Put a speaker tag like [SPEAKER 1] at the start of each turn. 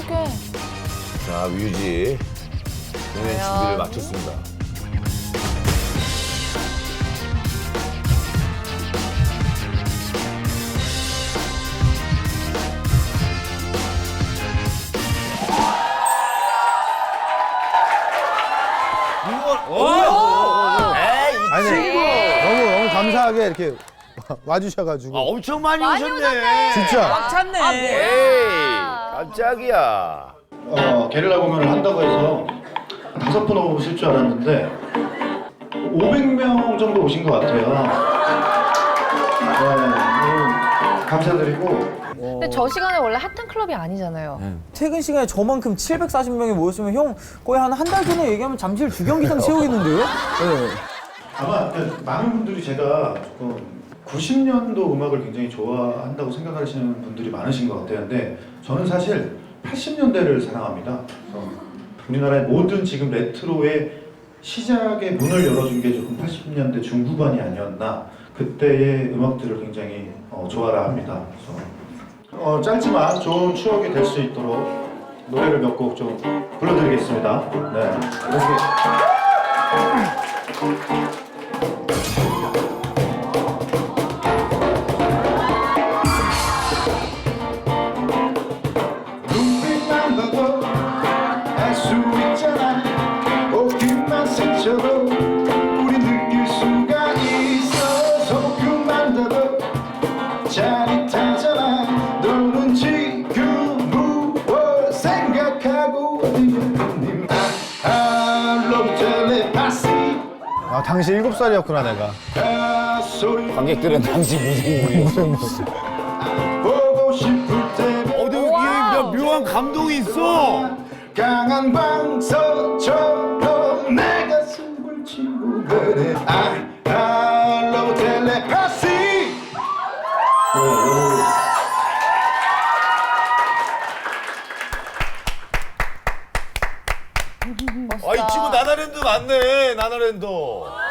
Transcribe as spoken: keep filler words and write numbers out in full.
[SPEAKER 1] 어떡해.
[SPEAKER 2] 자, 뮤지. 공연 준비를 마쳤습니다.
[SPEAKER 3] 아니, 너무 너무 감사하게 이렇게 와주셔가지고.
[SPEAKER 2] 아, 엄청 많이,
[SPEAKER 1] 많이
[SPEAKER 2] 오셨네.
[SPEAKER 1] 오셨네.
[SPEAKER 3] 진짜.
[SPEAKER 4] 꽉 찼네.
[SPEAKER 1] 아,
[SPEAKER 2] 에이,
[SPEAKER 1] 뭐야.
[SPEAKER 2] 깜짝이야.
[SPEAKER 5] 어, 게릴라 공연을 한다고 해서 다섯 분 오실 줄 알았는데 오백 명 정도 오신 것 같아요. 네, 너무 감사드리고
[SPEAKER 1] 근데 저 시간에 원래 핫한 클럽이 아니잖아요.
[SPEAKER 4] 퇴근 시간에 저만큼 칠백사십 명이 모였으면 형 거의 한 한 달 전에 얘기하면 잠실 주경기장 채우겠는데요? 네.
[SPEAKER 5] 아마 그 많은 분들이 제가 조금 구십 년도 음악을 굉장히 좋아한다고 생각하시는 분들이 많으신 것 같아요. 근데 저는 사실 팔십 년대를 사랑합니다. 그래서 우리나라의 모든 지금 레트로의 시작의 문을 열어준 게 조금 팔십 년대 중후반이 아니었나. 그때의 음악들을 굉장히 어, 좋아라 합니다. 그래서 어, 짧지만 좋은 추억이 될 수 있도록 노래를 몇 곡 좀 불러드리겠습니다. 네. 이렇게. 눈빛만 봐도 알 수 있잖아. 옷깃만 스쳐도 우리 느낄 수가 있어. 손끝만 닿아도 짜릿하잖아. 너는 지금 무엇 생각하고 있니? I love telepathy.
[SPEAKER 3] 아, 당시 일곱 살이었구나, 내가.
[SPEAKER 5] 아, 소리
[SPEAKER 2] 관객들은 당시 무슨
[SPEAKER 3] 무슨 무슨.
[SPEAKER 5] 보고 싶을 때
[SPEAKER 2] 어, 근데 이게 묘한 감동이 있어.
[SPEAKER 5] 강한 방석처럼 내 가슴을 치고 그래. I, I love telepathy.
[SPEAKER 2] 아, 이 친구 나나랜드 맞네, 나나랜드.